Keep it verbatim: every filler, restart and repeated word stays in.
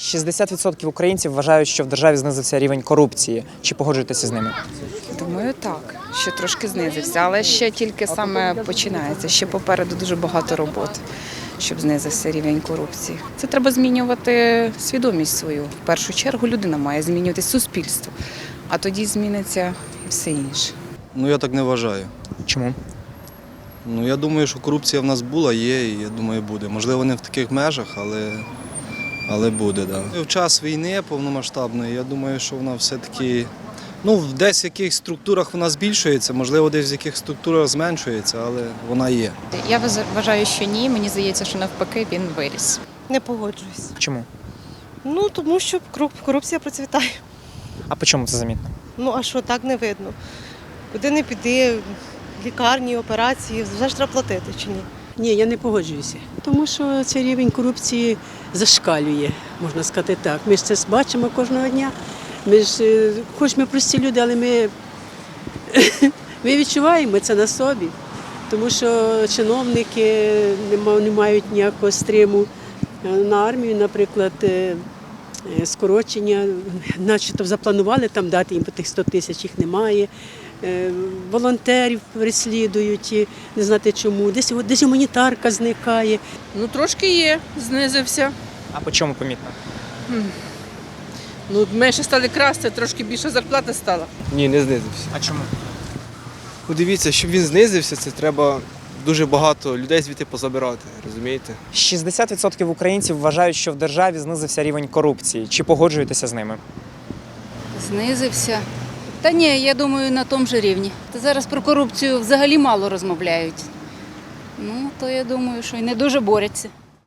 шістдесят відсотків українців вважають, що в державі знизився рівень корупції. Чи погоджуєтеся з ними? Думаю, так, що трошки знизився, але ще тільки саме починається. Ще попереду дуже багато роботи, щоб знизився рівень корупції. Це треба змінювати свідомість свою. В першу чергу людина має змінювати суспільство, а тоді зміниться і все інше. Ну, я так не вважаю. Чому? Ну, я думаю, що корупція в нас була, є, і я думаю, буде. Можливо, не в таких межах, але, але буде, так. Да. В час війни повномасштабної, я думаю, що вона все-таки, ну, десь в якихось структурах вона збільшується, можливо, десь в яких структурах зменшується, але вона є. Я вважаю, що ні. Мені здається, що навпаки він виріс. Не погоджуюсь. Чому? Ну, тому що корупція процвітає. А по чому це замітно? Ну, а що, так не видно. Куди не піди, лікарні, операції, завжди треба платити чи ні? Ні, я не погоджуюся, тому що цей рівень корупції зашкалює, можна сказати так. Ми ж це бачимо кожного дня. Ми ж, хоч ми прості люди, але ми, ми відчуваємо це на собі, тому що чиновники не мають ніякого стриму на армію, наприклад, скорочення, начебто запланували там дати їм по тих сто тисяч, їх немає. Волонтерів переслідують, не знати чому, десь, десь гуманітарка зникає. Ну, трошки є, знизився. А по чому помітно? Ну, менше стали красти, трошки більша зарплата стала. Ні, не знизився. А чому? Ну, дивіться, щоб він знизився, це треба дуже багато людей звідти позабирати, розумієте? шістдесят відсотків українців вважають, що в державі знизився рівень корупції. Чи погоджуєтеся з ними? Знизився. Та ні, я думаю, на тому ж рівні. Та зараз про корупцію взагалі мало розмовляють. Ну, то я думаю, що й не дуже борються.